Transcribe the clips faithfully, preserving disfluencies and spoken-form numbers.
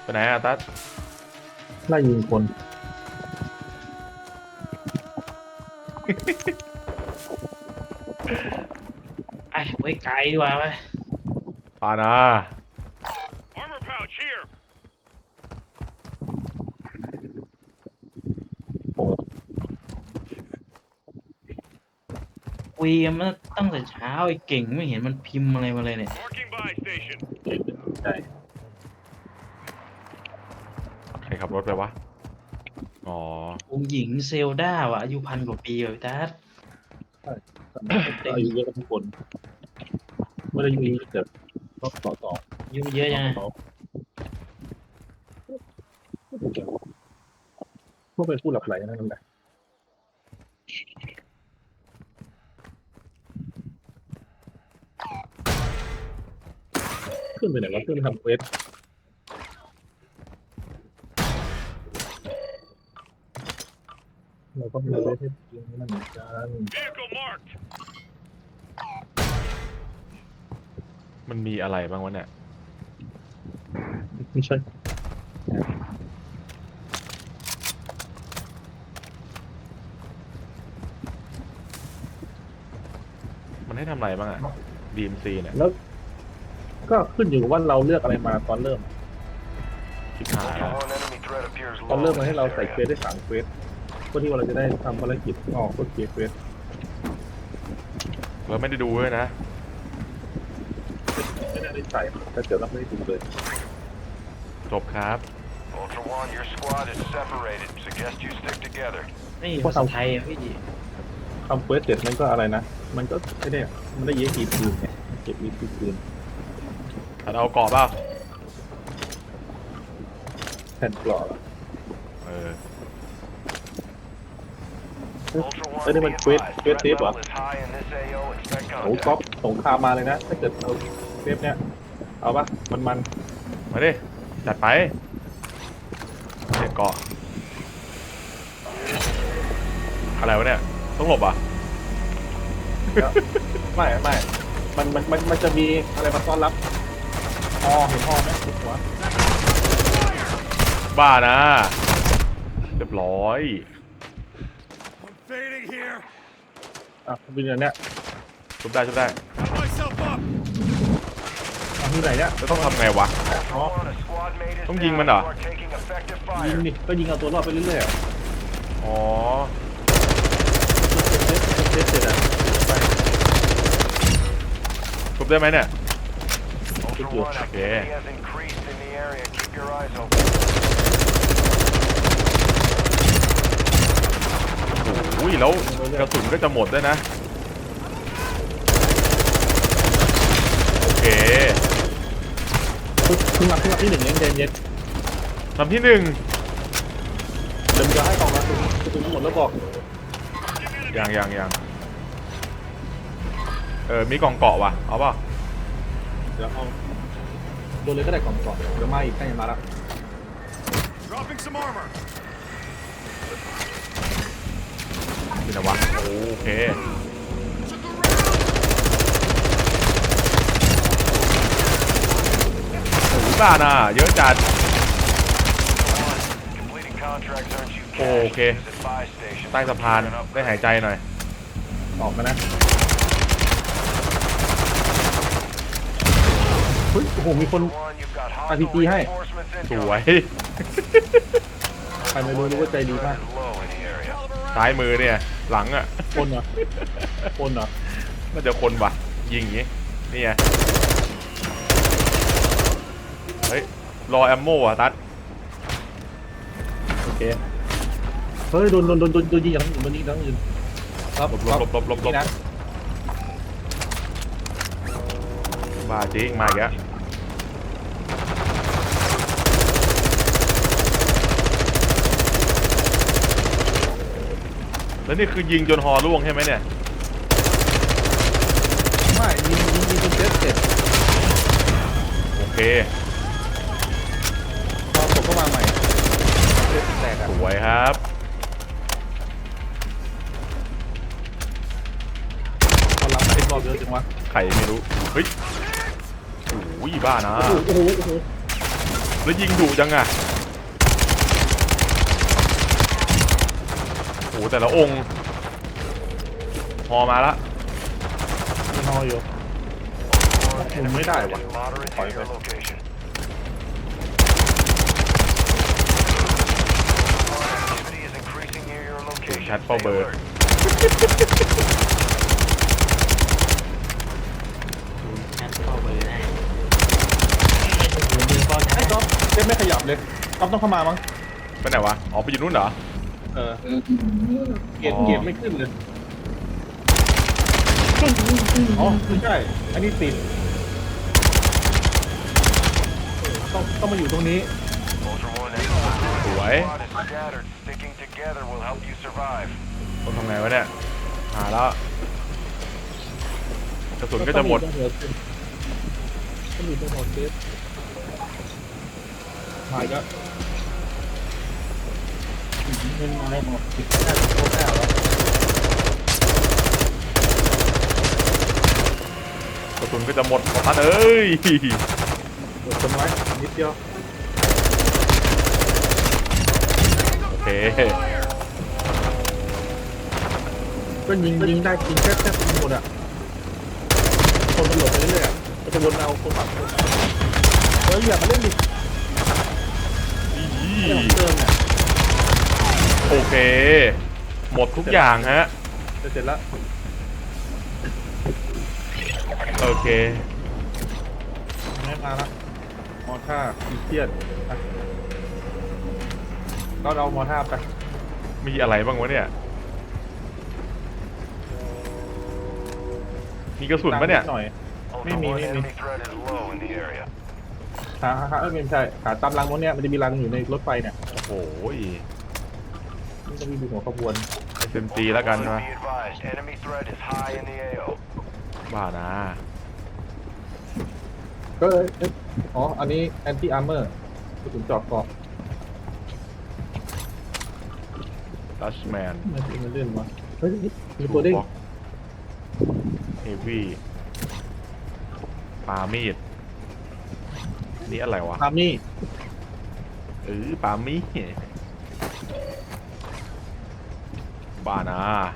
ไหนอะตั๊ดไล่ยิงคนไอ้ไว้ไกลดีกว่าไหมปานาคุยกันมาตั้งแต่เช้าไอ้เก่งไม่เห็นมันพิมพ์อะไรมาเลยเนี่ยใช่ใครขับรถไปวะอ๋อองค์หญิงเซลดาว่ะอายุพันกว่าปีเลยพี่ทัศน์อายุเยอะกันทุกคนไม่ได้อายุเยอะแต่ก็ต่อต่ออายุเยอะยังไงต่อพวกเป็นผู้หลับไหลนั่นแหละขึ้นไปไหนวะขึ้นไปทำเควสเราก็มีเควสให้ยิงนั่นเหมือนกันมันมีอะไรบ้างวะเนี่ยไม่ใช่มันให้ทำอะไรบ้างอะ ดี เอ็ม ซี เนี่ยแล้วก็ขึ้นอยู่กับว่าเราเลือกอะไรมาตอนเริ่มชิบหายแล้วตอนเริ่มมาให้เราใส่เควสได้สามเควสเพื่อที่ว่าเราจะได้ทำภารกิจออกก็เกียร์เควสเราไม่ได้ดูเลยนะไม่ได้ใส่แต่เดี๋ยวเราไม่ได้ดูเลยจบครับ Ultra One, your squad is separated. Suggest you stick together. นี่ภาษาไทยอ่ะพี่ดีทำเควสเสร็จมันก็อะไรนะมันก็ไม่ได้มันได้เยอะกี่คืนไงเก็บอีกกี่คืนตัดเอาเกาะเปล่าแผ่นกรอบเออเอ้ยนี่มันเควสเควสเทปเหรอโอ้ก๊อปสงครามมาเลยนะถ้าเกิดเอาเทปเนี้ยเอาปะมันมันมาดิจัดไปเด็กเกาะอะไรวะเนี่ยต้องหลบอ่ะไม่ไม่มันมันมันมันจะมีอะไรมาต้อนรับฮอเห็นฮอไหมหัวบ้านะเรียบร้อยอ่ะเป็นอย่างเนี้ยชุบได้ชุบได้อ่ะที่ไหนเนี้ยจะต้องทำไงวะอ๋อต้องยิงมันเหรอยิงดิก็ยิงเอาตัวรอดไปเรื่อยๆอ๋อเทสเสร็จอ่ะไปชุบได้ไหมเนี่ยโอเคโอ้ยแล้วกระสุนก็จะหมดด้วยนะโอเคขึ้นมาขึ้นมาที่หนึ่งเย็นเย็นเย็นลำที่หนึ่งเดี๋ยวจะให้กล่องละกระสุนหมดแล้วบอกยังยังยังเออมีกล่องเกาะว่ะเอาเปล่าเดี๋ยวเอาโดนเลยก็ได้กล่องก่อนเดี๋ยวมาอีกใกล้จะมาแล้วนี่นะวะโอเคโอ้ยบ้าน่ะเยอะจัดโอเคใต้สะพานได้หายใจหน่อยออกมานะเฮ้ยโอ้โหมีคนอาร์พีจีให้สวยใครไม่รู้รู้ว่าใจดีมากซ้ายมือเนี่ยหลังอ่ะคนเหรอคนเหรอน่าจะคนว่ะยิงอย่างงี้นี่ไงเฮ้ยรอแอมโม่อะตัดโอเคเฮ้ยโดนโดนโดนโดนยิงอย่างนั้นโดนยิงอย่างนั้นหลบหลบหลบหลบหลบหลบบ้าจริงมาอีกแล้วแล้วนี่คือยิงจนฮอร่วงใช่ไหมเนี่ยไม่ยิงยิงยิงจนเสร็จเสร็จโอเคพอผมก็มาใหม่แตกสวยครับพอรับมาเอ็นรอบเยอะจังวะไข่ไม่รู้เฮ้ยโอ้ยบ้านะโอ้โหโอ้โหรแล้วยิงดุจังอะโอ้แต่ละองค์พอมาละไม่นออยู่มันไม่ได้วะถอยไปชัดเป้าเบอร์แอดเข้าไปได้ไม่ถูกมือก็ไอ้ก๊อฟเจ๊ไม่ขยับเลยก๊อฟต้องเข้ามามั้งไปไหนวะอ๋อไปอยู่นู่นเหรอเออเกียร์เกียร์ไม่ขึ้นเลยอ๋อไม่ใช่อันนี้ติดต้องต้องมาอยู่ตรงนี้สวยต้องทำไงวะเนี่ยหาแล้วกระสุนก็จะหมดต้องอยู่ตรงหัวเซฟมาอีกแล้วเงินอะไรหมดติดได้โคตรแล้วกระสุนก็จะหมดของท่านเอ้ยกดต้นไม้นิดเดียวโอเคก็ยิงยิงได้ยิงแค่แค่หมดอ่ะคนมันหลบไปเรื่อยๆอ่ะมันจะวนเอาคนฝั่งคนเฮ้ยอย่ามาเล่นดิเรื่องของเติมเนี่ยโอเค หมดทุกอย่างฮะจะเสร็จแล้วโอเคไม่มาละมอท่าอีเทียนอ่ะก็เอามอท่าไปมีอะไรบ้างวะเนี่ยมีกระสุนปะเนี่ยหน่อยไม่มีไม่มีหาหาเออไม่ใช่หาตามรังพวกเนี้ยมันจะมีรังอยู่ในรถไฟเนี่ยโอ้โหมันจะมีดูหัวขบวนเอสเอ็มจีแล้วกันวะบ้านะก็เอ้ยอ๋ออันนี้แอนตี้อาร์เมอร์กระสุนเจาะเกราะดัชแมนมันจะมาเล่นวะเฮ้ยมีตัวเด้งเฮฟวี่ปามีดนี่อะไรวะพามี่เออปามีดบ้านะ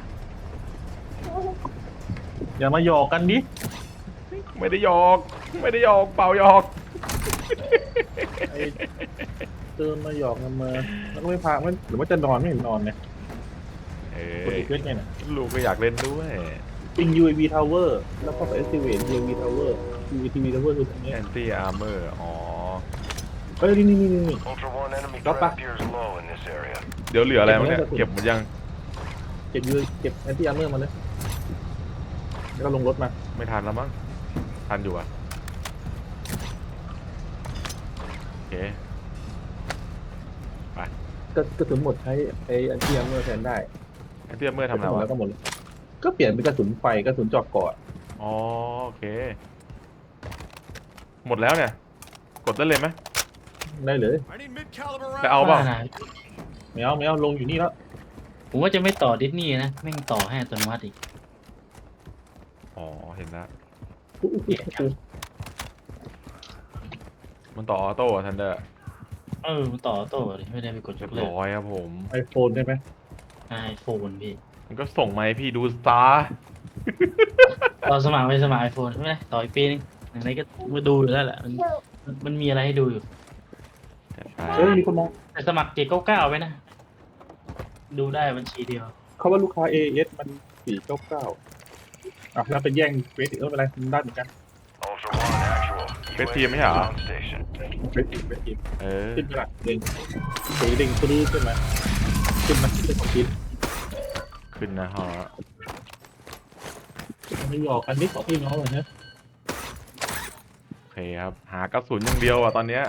อย่ามาหยอกกันดิไม่ได้หยอกไม่ได้หยอกเปล่าหยอกไอ้เติมมาหยอกกันมาแล้วก็ไม่พามันหรือว่าจะนอนไม่เห็นนอนเนี่ยเอกดออีกเวทไงเนี่ยลูกก็อยากเล่นด้วยปิง ยู เอ วี Tower แล้วก็ไป activate ยู เอ วี Tower ยู เอ วี Tower คือตรงนี้แอนตี้อาร์เมอร์อ๋อเฮ้ยนี่นี่นี่นี่เดี๋ยวเหลืออะไรมั้งเนี่ยเก็บหมดยังเก็บยูเก็บ anti armor มาเลยแล้วก็ลงรถมาไม่ทันแล้วมั้งทันอยู่อะโอเคก็กระสุนหมดใช้ไอ้ anti armor แทนได้แอนตี้อาร์เมอร์ทำอะไรหมดวะแล้วก็หมดเลยก็เปลี่ยนเป็นกระสุนไฟกระสุนเจาะเกาะอ๋อโอเค หมดแล้วเนี่ย กดได้เลยไหมได้เลยจะเอาเปล่าไม่เอาไม่เอาลงอยู่นี่แล้วผมว่าจะไม่ต่อดิสนีย์นะแม่งต่อให้อัตโนมัติอีกอ๋อเห็นแล้วอุ๊ยอุ๊ยอุ๊ยมันต่อออโต้ทันเดอร์เออมันต่อโต้เลยไม่ได้ไปกดยเรียกบเลิกร้อยครับผมไอโฟนได้ไหมไอโฟนพี่มันก็ส่งมาให้พี่ดูซะตอนสมัครไปสมัครไอโฟนใช่ไหมต่ออีกปีนึงไหนๆก็มาดูอยู่แล้วแหละมันมันมันมีอะไรให้ดูอยู่เอ้ยมีคนมองแต่สมัครเจ็ดเก้าเก้าไว้นะ ดูได้บัญชีเดียวเขาว่าลูกค้า เอ เอส มันสี่เก้าเก้าอ่ะแล้วไปแย่งเฟสอีกเออไม่เป็นไรมันได้เหมือนกันเฟสทีมไม่ใช่เหรอเฟสอีกเฟสอีกเออขึ้นไปละเด้งตัวนี้เด้งตัวนี้ขึ้นมาขึ้นมาขึ้นของชิ้นขึ้นนะฮะไม่หยอกกันนิดของพี่น้องเลยนะโอเคครับ หากระสุนอย่างเดียวอ่ะตอนเนี้ย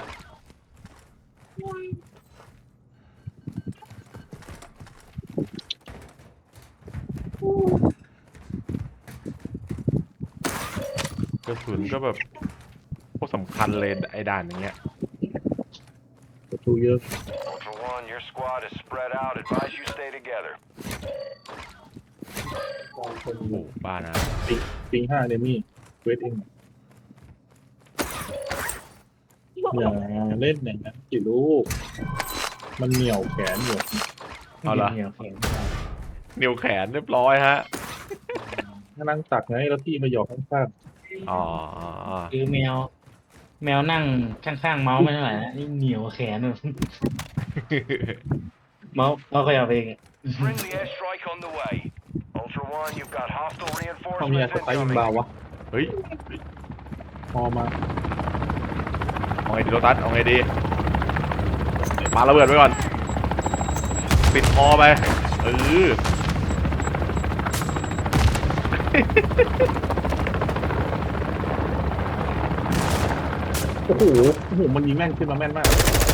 กระสุนก็แบบพวกสำคัญเลยไอ้ด่านอย่างเงี้ยประตูเยอะ Ultra One, your squad is spread out. Advise you stay together. มองคนโอ้โหบ้านะปิงปิงห้าเดมี่เวทเองอย่าเล่นอย่างนั้นกี่ลูกมันเหนียวแขนอยู่เอาละเหนียวแข็งนิ้วแขนเรียบร้อยฮะถ้านั่งตักไงแล้วพี่มาหยอกข้างอ๋อคือแมว แมวนั่งข้างๆเมาส์ไม่เท่าไหร่นะนี่เหนียวแขนแบบ เมาส์เมาส์ก็เอาไปเองอะ Friendly airstrike on the way. Ultra One, you've got hostile ๆเขามีอะ reinforcements สไตล์ยิง incoming. เบาวะเฮ้ยพอมาเอาไงดีโรตัสเอาไงดีมาระเบิดไว้ก่อนปิดคอไปเออโอ้โหโอ้โหมันยิงแม่นขึ้นมาแม่นมาก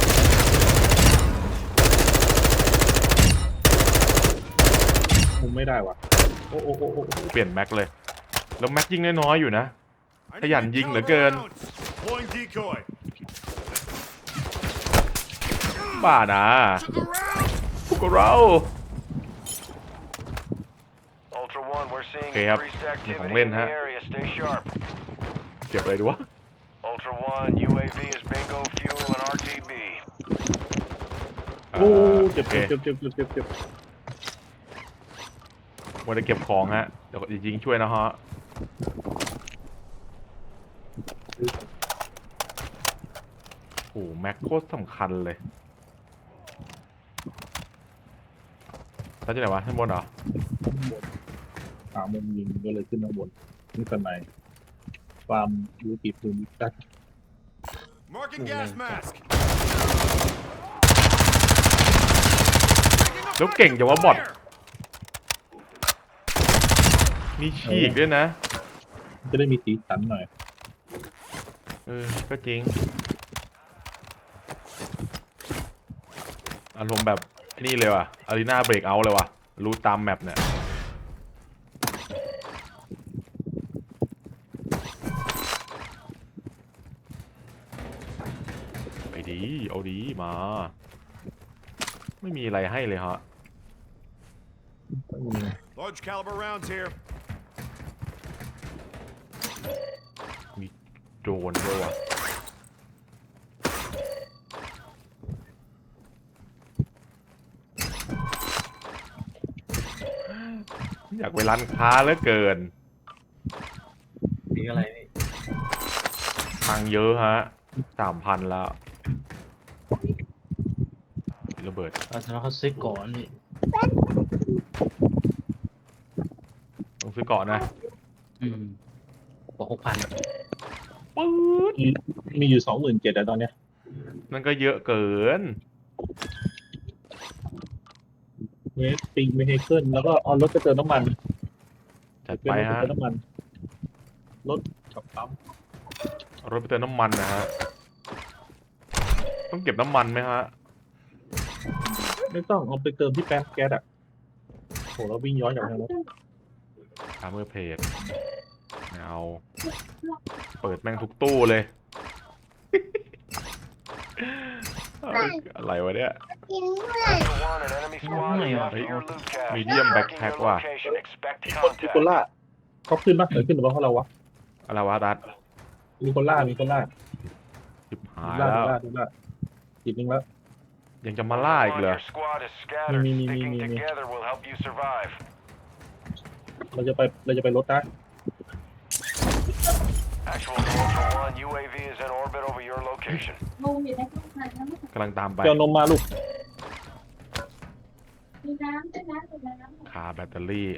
มุมไม่ได้ว่ะโอ้โอ้โอ้โอ้เปลี่ยนแม็กเลย แล้วแม็กยิงน้อยๆอยู่นะ ขยันยิงเหลือเกิน Deploying decoy. บ้านะพวกเรา Ultra One, we're seeing Okay, up. increased activity Không in lên the hả? area. Stay sharp. เก็บอะไรดีวะ Ultra One, U A V is bingo fuel and R T B. โอ้อ่าเจ็บโอเคเจ็บเจ็บเจ็บเจ็บเจ็บวันจะเก็บของฮะ เดี๋ยวยิงช่วยนะฮะ โอ้โหแม็กโคตรสำคัญเลยตั้งที่ไหนวะข้างบนเหรอหามุมยิงก็เลยขึ้นข้างบนนี่สไนความรู้ติดภูมิทัศน์ Marking gas mask. แล้วเก่งจังวะบอทมีฉีกด้วยนะจะได้มีสีสันหน่อยเออ ก็จริง อารมณ์แบบนี่เลยว่ะอารีนาเบรกเอาเลยว่ะ รู้ตามแมปเนี่ย ไปดี เอาดี มา ไม่มีอะไรให้เลยฮะ Large caliber rounds here. มีโดรนด้วยว่ะ อยากไปร้านค้าเหลือเกินสีอะไรนี่ทางเยอะฮะ สามพันแล้วระเบิดเราสามารถเขาซื้อก่อนนี่ต้องซื้อเกาะนะอืมบอกหกพันปื๊ดมีมีอยู่สองหมื่นเจ็ดอะตอนเนี้ยนั่นก็เยอะเกินเมสปิงไม่ให้ขึ้นแล้วก็เอารถไปเติมน้ำมันจัดเป็นไปรถไปฮะเติมน้ำมันรถกับปั๊มเอารถไปเติมน้ำมันนะฮะ ต้องเก็บน้ำมันไหมฮะไม่ต้องเอาไปเติมที่แป๊บแก๊สอะโหเราวิ่งย้อนกลับทางรถทามเมอร์เพจไม่เอา เปิดแม่งทุกตู้เลย เอ้ยอะไรวะเนี่ย Ultra One, an enemy squad is Ôi, after your loot cache. medium Marking backpack your ว่ะ location. Expect มีคนมี contact. คนล่าเขาขึ้นปะเออขึ้นหรือเปล่าเขาเราวะอะไรวะดัดมีคนล่ามีคนล่าจิบหายล่าแล้วล่าล่าจิตนึงแล้วยังจะมาล่าอีกเหรอ Your squad is scattered. Mi, mi, mi, Sticking mi, mi. together will help you survive. เราจะไปเราจะไปรถนะ Actual to Ultra One, U A V is in orbit over your location. กำลังตามไปเจ้านมมาลูกมีน้ำด้วยนะมีน้ำคาแบตเตอรี่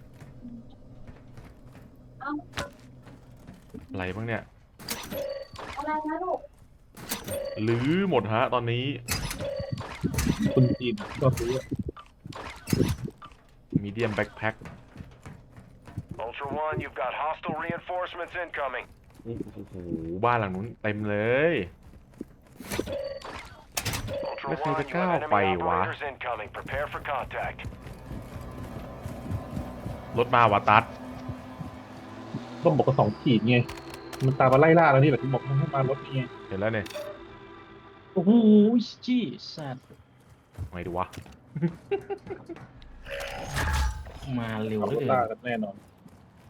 อะไรบ้างเนี่ยอะไรนะลูกหรือหมดฮะตอนนี้คนจีนอะก็ซื้อมีเดียมแบ็คแพ็ค Ultra One, you've got hostile reinforcements incoming. โอ้โห บ้านหลังนู้นเต็มเลย Ultra Let's One, take a you have cow enemy fight, wah. operators incoming. Prepare for contact. รถมาวาตัดก็บอกว่าสองขีดไงมันตามมาไล่ล่าแล้วนี่แหละที่บอกให้มารถนี่ไงเห็นแล้วเนี่ยโอ้โหจี้สัตว์ไงดูวะมาเร็วเอาเหรลถยล่ากันแน่นอน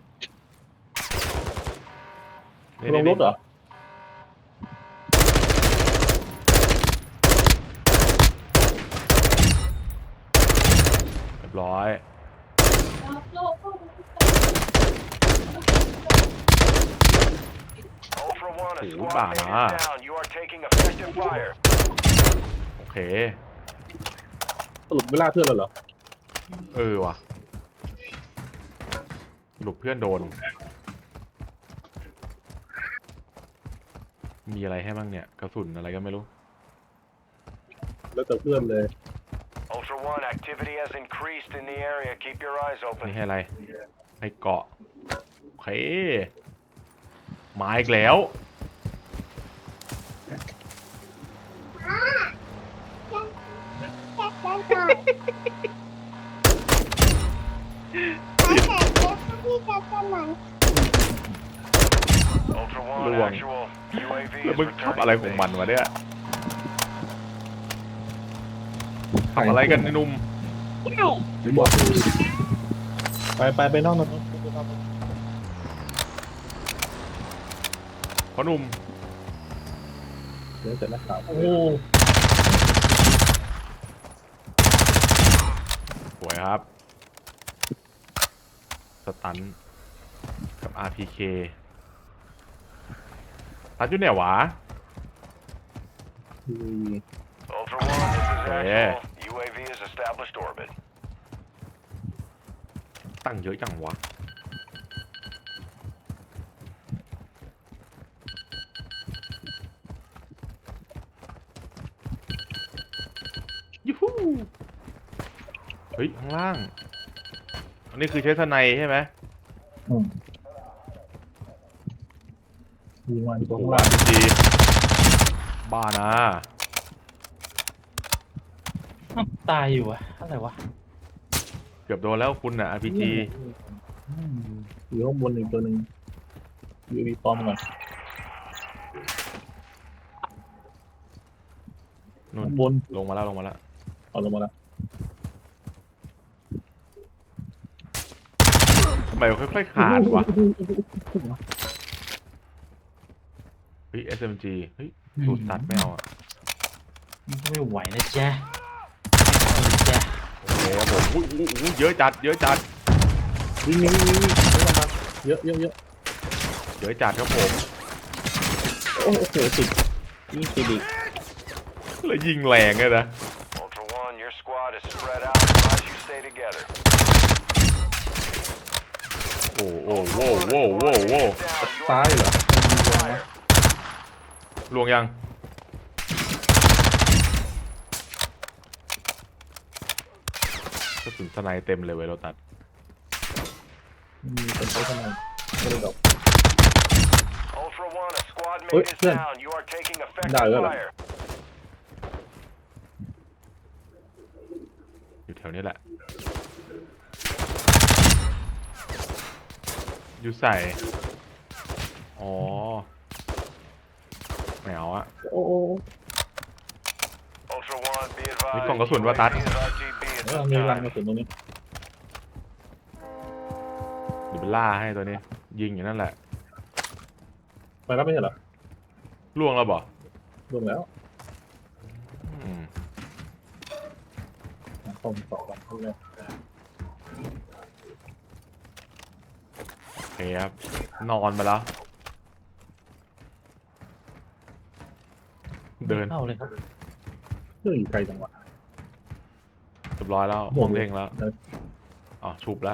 นี่ลงรถเหรอร้อยโลกโลก Ultra One, a Ủa, squad bà mate à. is down. You are taking effective fire. โอเคสรุปเวลาเพื่อนเราเหรอเออว่ะสรุปเพื่อนโดน มีอะไรให้บ้างเนี่ย กระสุนอะไรก็ไม่รู้แล้วแต่เพื่อนเลย Ultra One, activity has increased in the area. Keep your eyes นี่ open. ให้อะไร ให้เกาะ โอเค มาอีกแล้ว Ultra One, Luồng. actual. U A V แล้ว is มึง returning ทำอะไร to ของ base. มันวะเนี่ยทำอะไรกันไอ้หนุ่มไม่บอกไปไปไปนอกนอกพ่อหนุ่มเดี๋ยวเสร็จแล้วครับโอ้โหสวยครับ สตัน กับ อาร์ พี เค ตัดอยู่เนี่ยวะอืม Ultra One, this is Yeah. actual. U A V has established orbit. ตั้งเยอะจังวะ ยูฮูเฮ้ย ข้างล่าง อันนี้คือใช้สไนด์ใช่ไหมอืมยิงมันตรงโอ้โหล่างดี บ้านะอ้าวตายอยู่อะอะไรวะเกือบโดนแล้วคุณน่ะ อาร์ พี จีอืมอยู่ข้างบนอีกตัวหนึ่งอยู่มีปอมก่อนนู่นข้างบนลงมาแล้วลงมาแล้วเอาลงมาแล้วทำไมมันค่อยๆขาดวะ เฮ้ย เอส เอ็ม จี เฮ้ย สูตรตัดไม่เอาอ่ะมันก็ไม่ไหวนะจ๊ะจ๊ะโอเคครับผมอุ้ยอุ้ยอุ้ยเยอะจัด เยอะจัดวิ่งวิ่งวิ่งวิ่งวิ่งมาเยอะเยอะเยอะเยอะจัดครับผมโอ้โหติดยิงติดอีกแล้วยิงแรงเลยนะ Ultra One, your squad is spread out. Advise you stay together. โอ้โอ้โว้โว้โว้โว้ Down. You ซ้า are ยเหรอ fire. ลวงยัง กระสุนสไนด์เต็มเลยเว้ยเราตัดมีคนใช้ทำไมไม่ได้ดอก Ultra One, a squad Ôi, mate is Huyền. down. You are taking effective Đợi rồi. fire. อยู่แถวนี้แหละ อยู่ใส่ อ๋อไม่เอาอะโอ้โอ้ Ultra One, be advised. มีกล่องกระสุนวะตัด U A V is R T B at เออ this มีรัง time. กระสุนตรงนี้เดี๋ยวไปล่าให้ตัวนี้ ยิงอยู่นั่นแหละไปแล้วไม่ใช่เหรอล่วงแล้วบ่รวมแล้วอืมคอมสองวันเท่านั้นโอเคครับ นอนไปแล้ว เดินเข้าเลยครับเรื่องอยู่ไกลจังหวะเรียบร้อยแล้วหมห้ดองเลยเร่งแล้วเดินอ๋อ ชุบแล้ว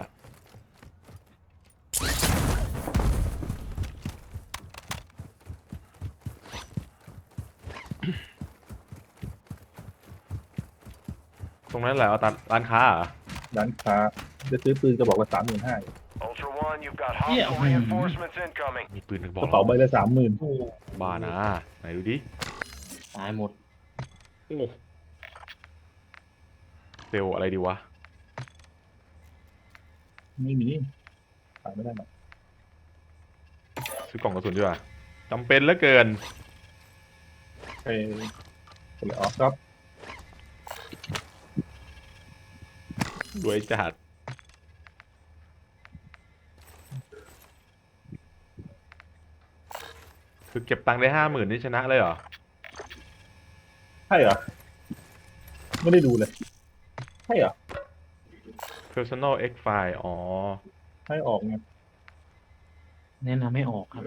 ตรงนั้นแหละเอาตัดร้านค้าเหรอร้านค้าจะซื้อปืนกระบอกละสามหมื่นห้า Ultra One, you've got Yeah. hostile reinforcements incoming. มีปืนถึงบกอกระเป๋าใบละสามหมื่นโอ้บ้านะ ไหนดูดิตายหมดเซลลอะไรดีวะไม่มีขายไม่ได้หรอกซื้อกล่องกระสุนดีกว่าจำเป็นเหลือเกินไปคนละออฟครับรวยจัด คือเก็บตังค์ได้ห้าหมื่นนี่ชนะเลยเหรอใช่เหรอ ไม่ได้ดูเลย ใช่เหรอ personal x file อ๋อให้ออกไงแนะนำไม่ออกครับ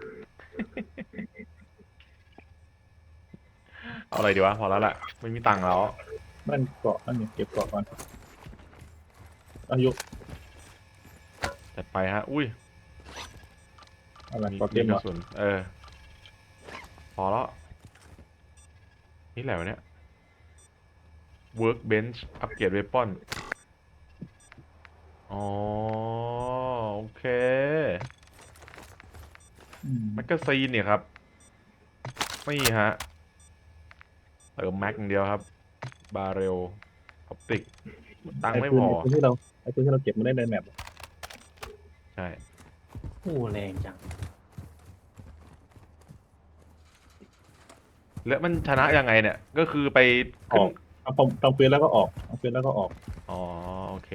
เอาอะไรดีวะ พอแล้วแหละไม่มีตังค์แล้วนั่นเกาะนั่นเนี่ยเก็บเกาะก่อนอายุจัดไปฮะ อุ้ยอะไรมีเกาะเต็มกเหรระอสุนเออ พอแล้ว นี่แหละวะเนี่ย workbench อัปเกรด weapon อ๋อ โอเคอืมแมกกาซีนเนี่ยครับนี่ฮะเติมแม็กอย่างเดียวครับ บาเรลออปติก ตังค์ไม่พอไอ้ปืนที่เราไอ้ปืนที่เราเก็บมาได้ในแมปใช่โอ้แรงจังแล้วมันชนะยังไงเนี่ย ก็คือไปอขึ้นอกเอาปอมตองปืนแล้วก็ออกเอาปืนแล้วก็ออกอ๋อ โอเค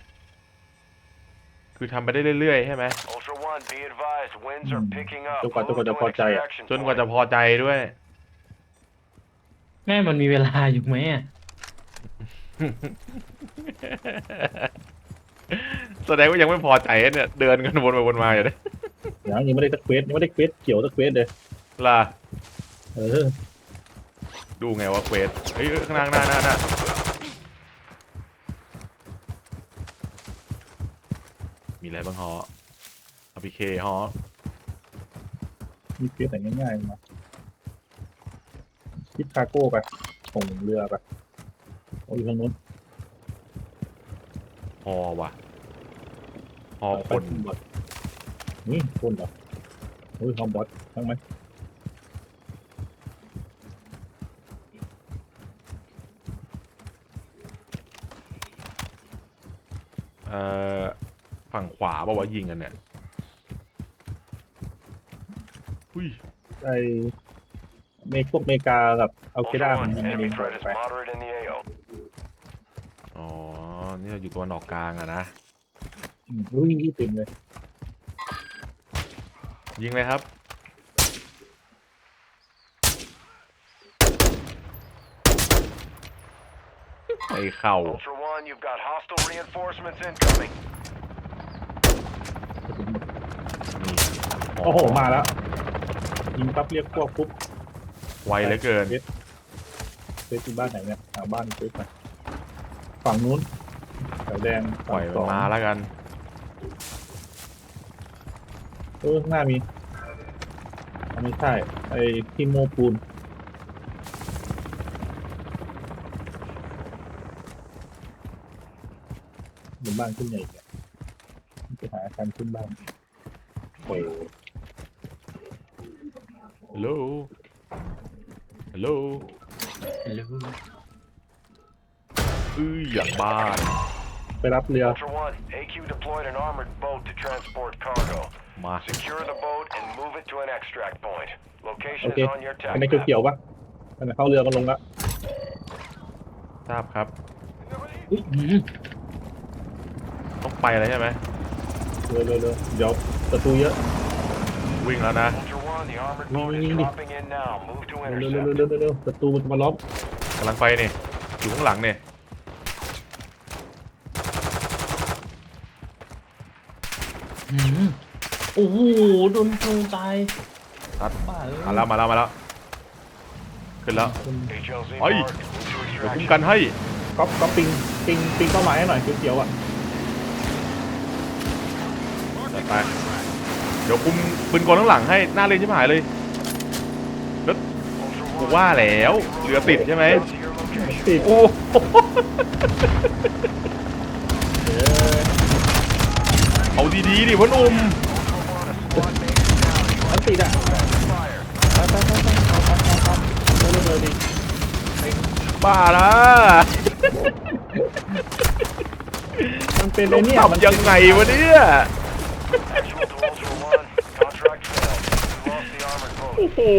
คือทำไปได้เรื่อยๆ ใช่ไหม Ultra One, be advised, winds are picking up. จนกว่าจนกว่าจะ Move พ to อ an ใจอะ extraction จนกว่า point. จะพอใจด้วยแม่มันมีเวลาอยู่ไหมอะแสดงว่ายังไม่พอใจเนี่ย เดินกันวนไปวนมาอยู่เลยยังยังไม่ได้สักเควสยังไม่ได้เควสเกี่ยวสักเควสเลยล่ะเออดูไงว่าเควสเฮ้ยข้างหน้าหน้าหน้าหน้ามีอะไรบ้างฮออาพีเคฮอมีเควสแต่ง่ายๆมาทิปคาโก้ไปส่งเรือไปโอ้ยทางนู้นฮอว่ะฮอเออคไปนบอทนี่คนเหรอโอ้ยฮอมบอททั้งไหมเอ่อฝั่งขวาป่าววะยิงกันเนี่ยอุ้ยไอเมกพวกเมกากับเอาเคด้า Ultra มัน One, ยังไง enemy ดี threat is ไป moderate in the A O. อ๋อนี่เราอยู่ตัวนออกกลางอะนะอืมอุ้ยเต็มเลยยิงเลยครับไอเข่า Ultra One, you've got hostile reinforcements incoming. นี่โอ้โหมาแล้วยิงปั๊บเรียกพวกปุ๊บไวเหลือเกินเฟสเฟสที่บ้านไหนเนี่ยหาบ้านเฟสไปฝั่งนู้นแถวแดงปล่อยฝั่มันงสองมาแล้วกันเออข้างหน้ามีอันนี้ใช่ไอ้ที่โมปูนบนบ้านขึ้นใหญ่เนี่ยจะหาอาการขึ้นบ้านโอ้ยฮัลโหล ฮัลโหลหรืออื้ออย่างบ้านไปรับเรือ Ultra One, A Q deployed an armored boat to transport cargo. มา Secure the boat and move it to an extract point. โอ Location เค is on your อัน tag นี้ map. เกี่ยวๆปะอันนี้เข้าเรือก็ลงละทราบครับอุ๊ยหืมต้องไปแล้วใช่ไหมเรือเรือเรือเดี๋ยวประตูเยอะวิ่งแล้วนะ Ultra One, the armored No, boat no, is no, no. dropping in now. Move to เร็วเร็วเร็ว intercept. เร็วเร็วเร็วประตูมันจะมาล้อมกำลังไปนี่อยู่ข้างหลังเนี่ยหืมโอ้โหโดนโจมตายตัดบ้าเอ้ยมาแล้วมาแล้วมาแล้ว ขึ้นแล้ว H L Z Oi. marked. Move to เดี๋ยวคุ้ม extraction. กันให้ก๊อปก๊อปปิงปิงปิงเป้าหมายให้หน่อยเขียวๆอ่ะจัดไป เดี๋ยวคุมปืนกลข้างหลังให้ หน้าเลนชิบหายเลย Ultra กู One, ว่าแล้วเรือติดใช่ไหม to your location. ติดโอ้เออเอาดีๆดิพ่อหนุ่ม Ultra One, a squad mate is down. You มันติดอ่ะ are fire. ไปไปไปไปเอาเอาเอาเอาเร็วเร็วเร็วดิบ้าละมันเป็นต้ไอ้องเนี่ยมันทำยังไงวะเนี่ย Actual to Ultra One. Contract failed. You lost the armored boat. โอ้โห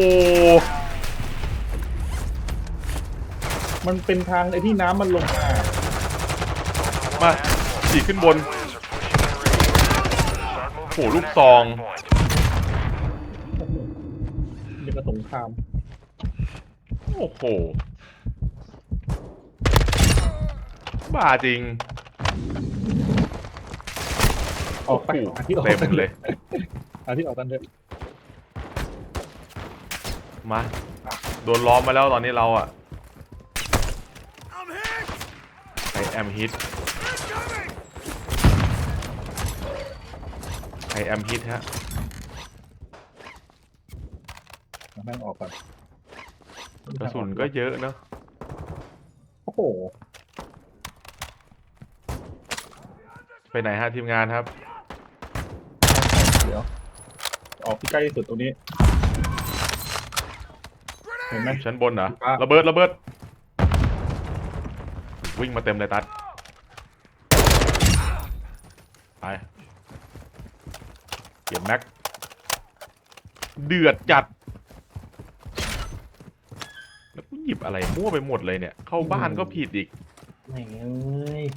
มันเป็นทางไอ้ที่น้ำมันลงมามาฉีกขึ้นบน Winds are pushing in radio. Start moving โอ้ to โห an ลูกซอง extract point. ยังกระสงครามโอ้โห บ้าจริงอออกไปหาที่ออกเต็มเลยหาที่ออกกันเถอะมาโดนล้อมมาแล้วตอนนี้เราอะ I'm hit! ไอแอมฮิต Incoming! ไอแอมฮิตฮะเอาแม่งออกก่อนกระสุนก็เยอะเนอะโอ้โหไปไหนฮะทีมงานครับเดี๋ยวออกที่ใกล้ที่สุดตรงนี้เห็นไหมชั้นบนเหรออ่ะระเบิดระเบิดวิ่งมาเต็มเลยตัดไปเก็บแม็กเดือดจัดแล้วกูหยิบอะไรมั่วไปหมดเลยเนี่ย เข้าบ้านก็ผิดอีกแม่งเอ้ย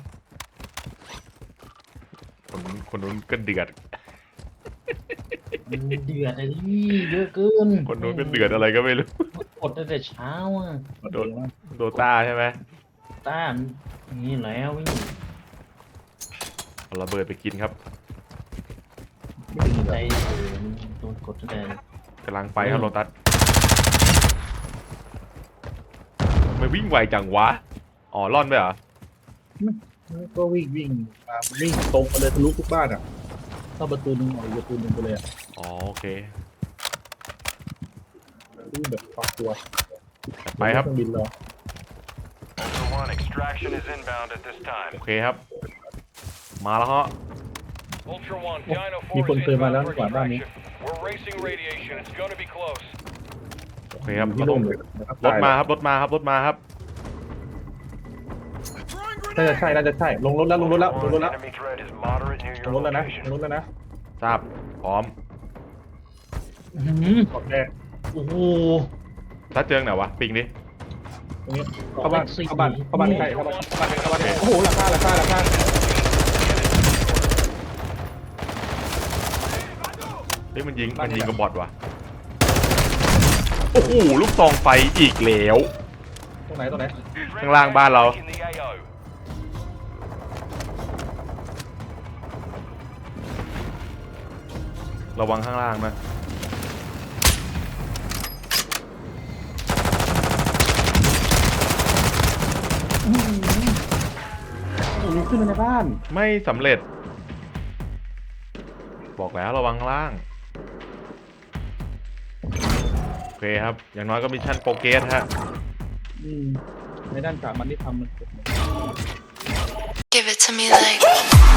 คนนู้นคนนู้นก็เดือดมันเดือดอะไรนี่เยอะเกินคนนู้นก็เดือดอะไรก็ไม่รู้กดตั้งแต่เช้าอ่ะโดน โดต้าใช่ไหมต้านนี่แล้วนี่เอาระเบิดไปกินครับไม่ดีใจเลยเออโดนกดตั้งแต่กำลังไปครับโรตัสไม่วิ่งไวจังวะ อ๋อล่อนไปเหรอก็วิ่งวิ่งมาวิ่งตรงไปเลยทะลุทุกบ้านอ่ะเข้าประตูหนึงออกอีกประตูหนึงไปเลยอ่ะอ๋อโอเควิ่งแบบปักตัวไปครับเคองบินรอ Ultra One, extraction is inbound at this time. โอเคครับ มาแล้วฮะ Ultra One, Dino มี four คน is เคยมาแล้ว inbound ก for ว่าบ้านนี้ extraction. We're racing radiation. It's going to be close. โอเคครับที่เราลต้อง งเลยนะครับรถมาครับรถมาครับรถมาครับ Throwing น่าจะ grenade! ใช่น่าจะใช่ลงรถแล้วลงรถแล้วลง Ultra รถ One, แล้ว enemy threat is moderate near ล your งรถแล้วนะล location. งรถแล้วนะทราบ พร้อมอื้อหือขอบแดงโอ้โหถ้าเจอไหนวะ ปิงดิตรงนี้เข้าบ้านเข้าบ้านเข้าบ้านใกล้เข้าบ้านเข้าบ้านเข้าบ้านใกล้โอ้โหราคาราคาราคาเฮ้ยมันยิง มันยิงกับบอทว่ะ โอ้โห ลูกซองไฟอีกแล้วตรงไหนตรงไหนข้างล่างบ้านเรา In the A O. ระวังข้างล่างนะโอ้โหขึ้นมาในบ้านไม่สำเร็จ บอกแล้วระวังข้างล่าง โอเคครับ อย่างน้อยก็มิชชั่นโปรเกรสฮะอืมในด้านสามันที่ทำมัน Give it to me like